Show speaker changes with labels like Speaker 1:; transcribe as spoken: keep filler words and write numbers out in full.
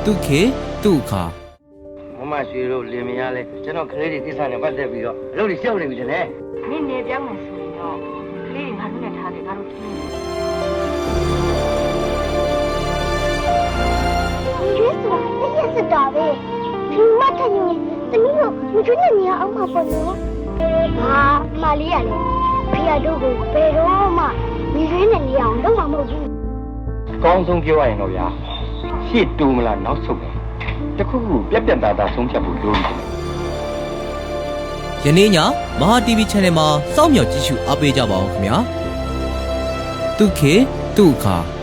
Speaker 1: တုခေတုခါ
Speaker 2: မမရွှေတို့လင်မယားလဲကျွန်တော်ကလေးတွေကိစ္စနဲ့ပတ်သက်ပြီးတော့အလုပ်တွေရှောက်နေပြီတဲ့
Speaker 3: နင့်နေပြောင်းမယ်ဆိုရင်တော့ကလေးတွေငါတို့နဲ့ထားတယ်ငါတို့ကြည့်နေ
Speaker 4: ရွှေဆိုတာတည့်ရစတာပဲဒီမထင်ရင်တမီးတို့မကျွနဲ့နေရအောင်မပေါ်လို့ဟာမလေးရလေဖေရတို့ကိုဘယ်တော့မှမိရွှေနဲ့နေအောင်လုပ်မှာမဟုတ်ဘူး
Speaker 2: အကောင်းဆုံးပြောရရင်တော့ဗျာရှေ့တူမလားနောက်ဆုတ်မယ်တခုခုပြက်ပြက်သားသားဆုံးဖြတ်ဖို့လိုနေတယ်
Speaker 1: ယနေ့ညမဟာ တီဗီ Channel မှာစောင့်မျှော်ကြည့်ရှုအားပေးကြပါအောင်ခင်ဗျာတုခေတုခါ